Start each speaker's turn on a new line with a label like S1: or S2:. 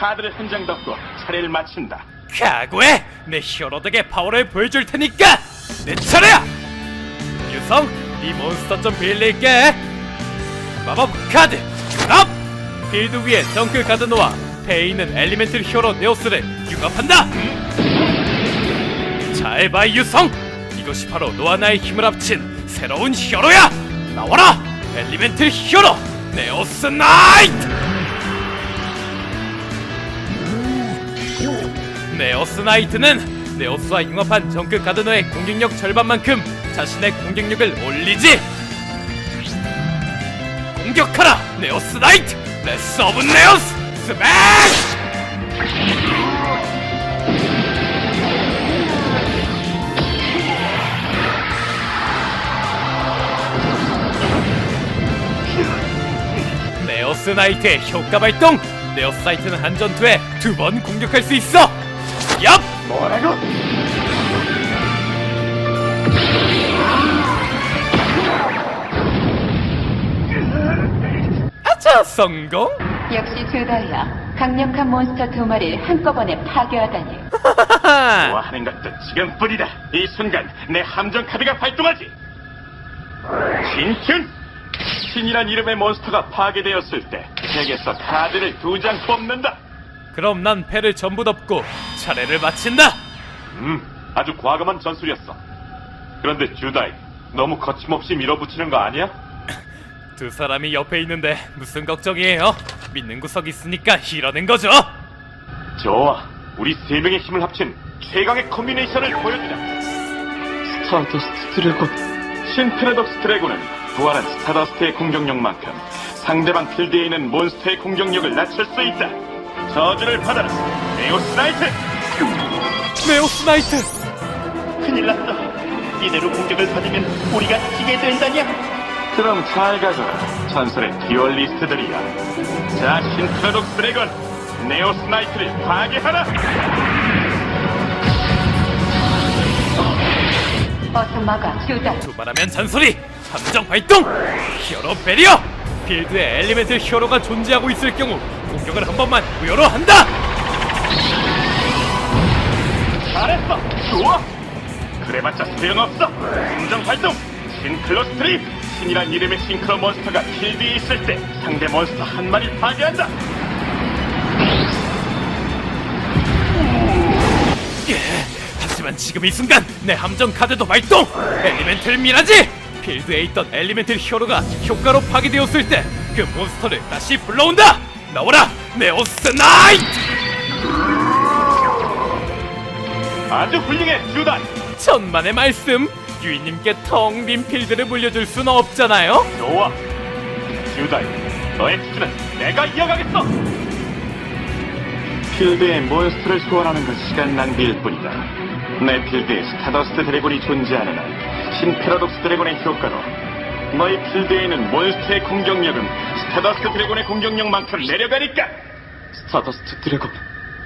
S1: 카드를 한 장 덮고 차례를 마친다.
S2: 각오해! 내 히어로덕의 파워를 보여줄 테니까! 내 차례야! 유성, 네 몬스터 좀 빌릴게! 마법 카드, 업! 필드 위에 덩크 카드 놓아 배에 있는 엘리멘틀 히어로 네오스를 융합한다! 잘 봐, 유성! 이것이 바로 너와 나의 힘을 합친 새로운 히어로야! 나와라! 엘리멘틀 히어로! 네오스 나이트! 네오스 나이트는 네오스와 융합한 정크 가드너의 공격력 절반만큼 자신의 공격력을 올리지! 공격하라! 네오스 나이트! 레스 오브 네오스! 스매시! 네오스 나이트의 효과 발동! 네오스 나이트는 한 전투에 2번 공격할 수 있어! 얍!
S1: 뭐라고?
S2: 아차! 성공?
S3: 역시 주다이야. 강력한 몬스터 2마리를 한꺼번에 파괴하다니.
S1: 좋아하는 것도 지금뿐이다. 이 순간 내 함정 카드가 발동하지. 신균! 신이란 이름의 몬스터가 파괴되었을 때 덱에서 카드를 2장 뽑는다.
S2: 그럼 난 패를 전부 덮고 차례를 마친다!
S1: 아주 과감한 전술이었어. 그런데 주다이, 너무 거침없이 밀어붙이는 거 아니야?
S2: 두 사람이 옆에 있는데 무슨 걱정이에요? 믿는 구석 있으니까 이러는 거죠!
S1: 좋아, 우리 세 명의 힘을 합친 최강의 콤비네이션을 보여주자. 스타더스트 드래곤. 신페라독스 드래곤은 부활한 스타더스트의 공격력만큼 상대방 필드에 있는 몬스터의 공격력을 낮출 수 있다. 저주를 받아라, 네오스 나이트!
S2: 네오스 나이트!
S1: 큰일 났어. 이대로 공격을 받으면 우리가 지게 된다냐? 그럼 잘 가거라, 전설의 듀얼리스트들이야. 자, 신페라독스 드래곤, 네오스 나이트를 파괴하라!
S3: 어서 막아, 주다이.
S2: 두말하면 잔소리! 함정 발동! 히어로 베리어! 필드에 엘리멘틀 히어로가 존재하고 있을 경우 공격을 한 번만 무효로 한다!
S1: 잘했어! 좋아! 그래봤자 소용없어! 함정 발동! 싱클로 스트립! 신이란 이름의 싱크로 몬스터가 필드에 있을 때 상대 몬스터 한 마리를 파괴한다!
S2: 하지만 지금 이 순간 내 함정 카드도 발동! 엘리멘틀 미라지! 필드에 있던 엘리멘틀 히어로가 효과로 파괴되었을 때 그 몬스터를 다시 불러온다! 나와라! 네오스 나이트!
S1: 아주 훌륭해, 주단!
S2: 천만의 말씀! 유이님께 텅 빈 필드를 물려줄 순 없잖아요?
S1: 좋아! 주단, 너의 투수는 내가 이어가겠어! 필드에 몬스터를 소환하는 건 시간 낭비일 뿐이다. 내 필드에 스타더스트 드래곤이 존재하는 한 신페라독스 드래곤의 효과로 너희 필드에 있는 몬스터의 공격력은 스타더스트 드래곤의 공격력만큼 내려가니까. 스타더스트 드래곤